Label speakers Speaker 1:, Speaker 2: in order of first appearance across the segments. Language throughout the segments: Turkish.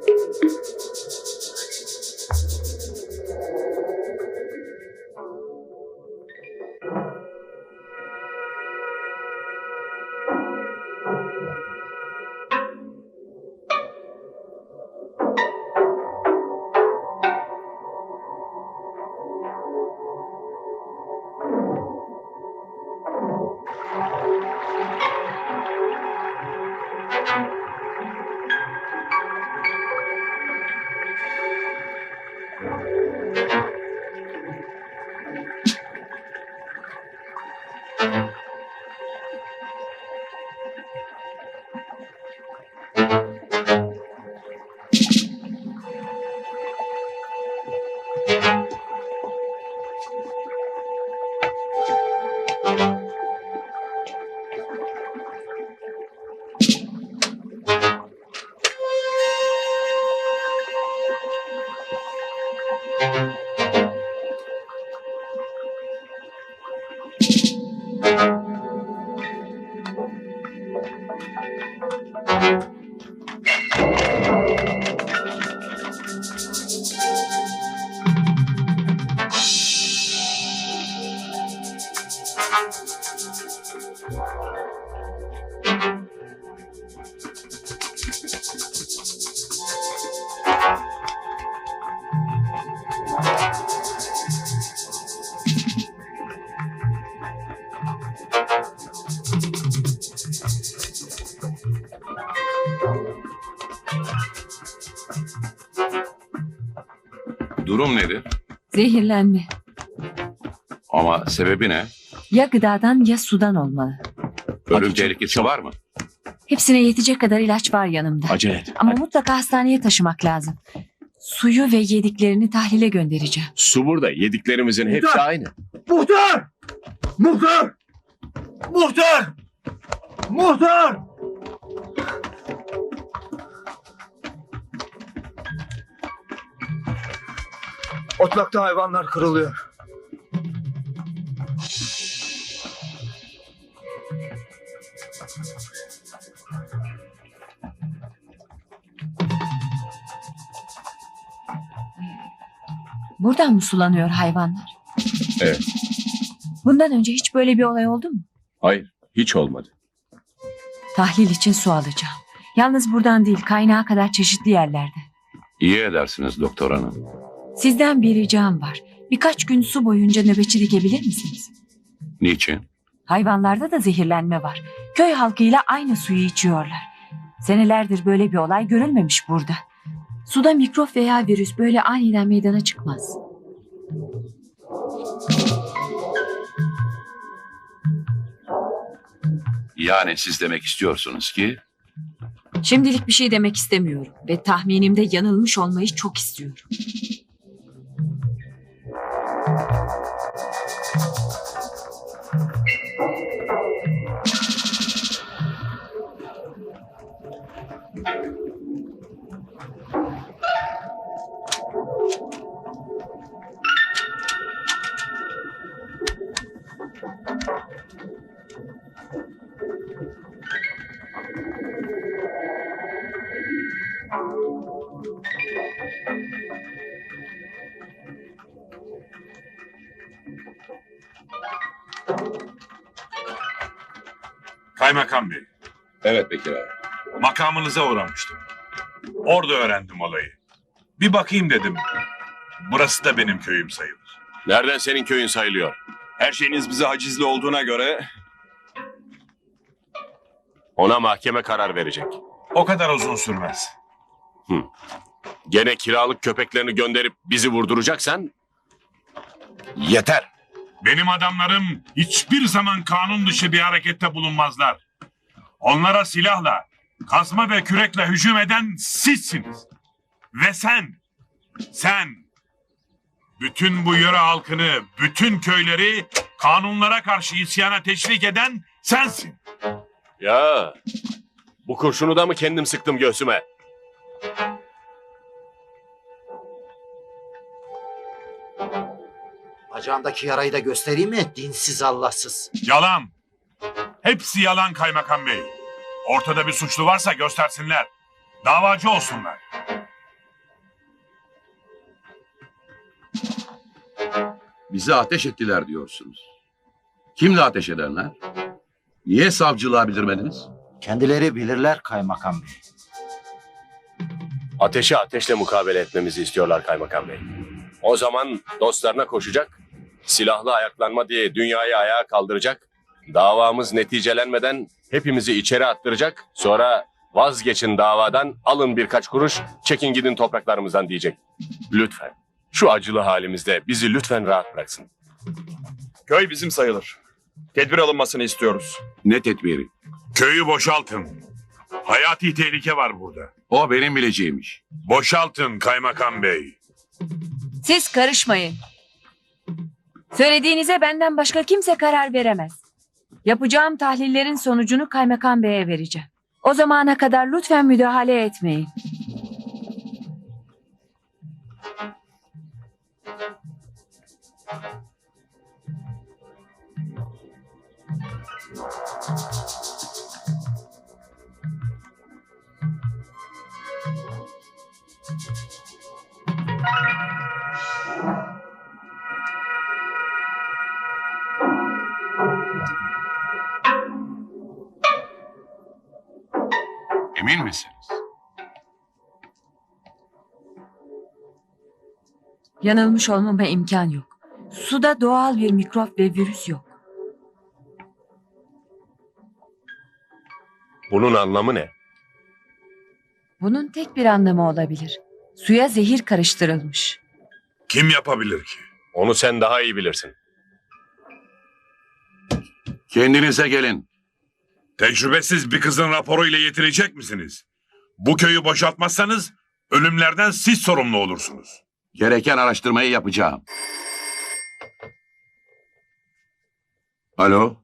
Speaker 1: Durum nedir?
Speaker 2: Zehirlenme.
Speaker 1: Ama sebebi ne?
Speaker 2: Ya gıdadan ya sudan olmalı.
Speaker 1: Ölüm
Speaker 3: Hadi
Speaker 1: tehlikesi
Speaker 3: çabuk.
Speaker 1: var mı?
Speaker 2: Hepsine yetecek kadar ilaç var yanımda.
Speaker 3: Acele et.
Speaker 2: Ama
Speaker 3: Hadi.
Speaker 2: mutlaka hastaneye taşımak lazım. Suyu ve yediklerini tahlile göndereceğim.
Speaker 3: Su burada. Yediklerimizin hepsi aynı.
Speaker 4: Muhtar! Muhtar! Muhtar! Muhtar! Otlakta hayvanlar kırılıyor.
Speaker 2: Buradan mı sulanıyor hayvanlar?
Speaker 3: Evet.
Speaker 2: Bundan önce hiç böyle bir olay oldu mu?
Speaker 3: Hayır. Hiç olmadı.
Speaker 2: Tahlil için su alacağım. Yalnız buradan değil, kaynağa kadar çeşitli yerlerde.
Speaker 1: İyi edersiniz doktor hanım.
Speaker 2: Sizden bir ricam var. Birkaç gün su boyunca nöbetçi dikebilir misiniz?
Speaker 1: Niçin?
Speaker 2: Hayvanlarda da zehirlenme var. Köy halkıyla aynı suyu içiyorlar. Senelerdir böyle bir olay görülmemiş burada. Suda mikrop veya virüs böyle aniden meydana çıkmaz.
Speaker 1: Yani siz demek istiyorsunuz ki
Speaker 2: Şimdilik bir şey demek istemiyorum ve tahminimde yanılmış olmayı çok istiyorum.
Speaker 5: Kaymakam Bey,
Speaker 1: evet Bekir abi.
Speaker 5: makamınıza uğramıştım. Orada öğrendim olayı. Bir bakayım dedim. Burası da benim köyüm sayılır.
Speaker 3: Nereden senin köyün sayılıyor?
Speaker 6: Her şeyiniz bize hacizli olduğuna göre
Speaker 3: Ona mahkeme karar verecek.
Speaker 5: O kadar uzun sürmez.
Speaker 3: Gene kiralık köpeklerini gönderip bizi vurduracaksan yeter.
Speaker 5: Benim adamlarım hiçbir zaman kanun dışı bir harekette bulunmazlar. Onlara silahla, kazma ve kürekle hücum eden sizsiniz. Ve sen bütün bu yöre halkını, bütün köyleri kanunlara karşı isyana teşvik eden sensin.
Speaker 3: Ya bu kurşunu da mı kendim sıktım göğsüme?
Speaker 7: Bacağımdaki yarayı da göstereyim mi? Dinsiz Allahsız.
Speaker 5: Yalan. Hepsi yalan kaymakam bey. Ortada bir suçlu varsa göstersinler. Davacı olsunlar.
Speaker 1: Bizi ateş ettiler diyorsunuz. Kimle ateş edenler? Niye savcılığa bildirmediniz?
Speaker 7: Kendileri bilirler kaymakam bey.
Speaker 3: Ateşe ateşle mukabele etmemizi istiyorlar kaymakam bey. O zaman dostlarına koşacak, silahlı ayaklanma diye dünyayı ayağa kaldıracak, davamız neticelenmeden hepimizi içeri attıracak, sonra vazgeçin davadan, alın birkaç kuruş, çekin gidin topraklarımızdan diyecek. Lütfen, şu acılı halimizde bizi lütfen rahat bıraksın.
Speaker 6: Köy bizim sayılır. Tedbir alınmasını istiyoruz.
Speaker 1: Ne tedbiri?
Speaker 5: Köyü boşaltın. Hayati tehlike var burada.
Speaker 1: O benim bileceğimiş.
Speaker 5: Boşaltın kaymakam bey.
Speaker 2: Siz karışmayın. Söylediğinize benden başka kimse karar veremez. Yapacağım tahlillerin sonucunu kaymakam beye vereceğim. O zamana kadar lütfen müdahale etmeyin.
Speaker 1: Emin misiniz?
Speaker 2: Yanılmış olmama imkan yok. Suda doğal bir mikrop ve virüs yok.
Speaker 3: Bunun anlamı ne?
Speaker 2: Bunun tek bir anlamı olabilir. Suya zehir karıştırılmış.
Speaker 5: Kim yapabilir ki?
Speaker 3: Onu sen daha iyi bilirsin.
Speaker 1: Kendinize gelin.
Speaker 5: Tecrübesiz bir kızın raporuyla yetirecek misiniz? Bu köyü boşaltmazsanız ölümlerden siz sorumlu olursunuz.
Speaker 1: Gereken araştırmayı yapacağım. Alo?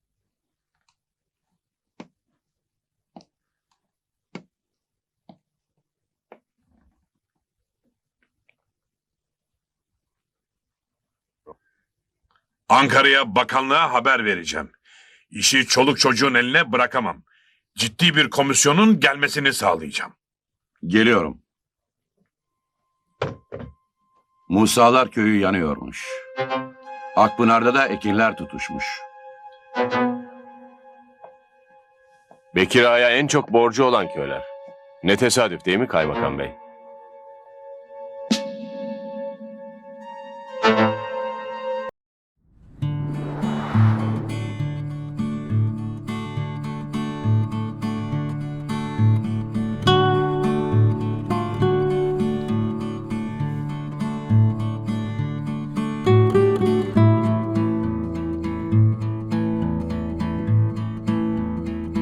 Speaker 5: Ankara'ya bakanlığa haber vereceğim. İşi çoluk çocuğun eline bırakamam. Ciddi bir komisyonun gelmesini sağlayacağım.
Speaker 1: Geliyorum. Musalar köyü yanıyormuş. Akpınar'da da ekinler tutuşmuş.
Speaker 3: Bekir Ağa'ya en çok borcu olan köyler. Ne tesadüf değil mi kaymakam bey?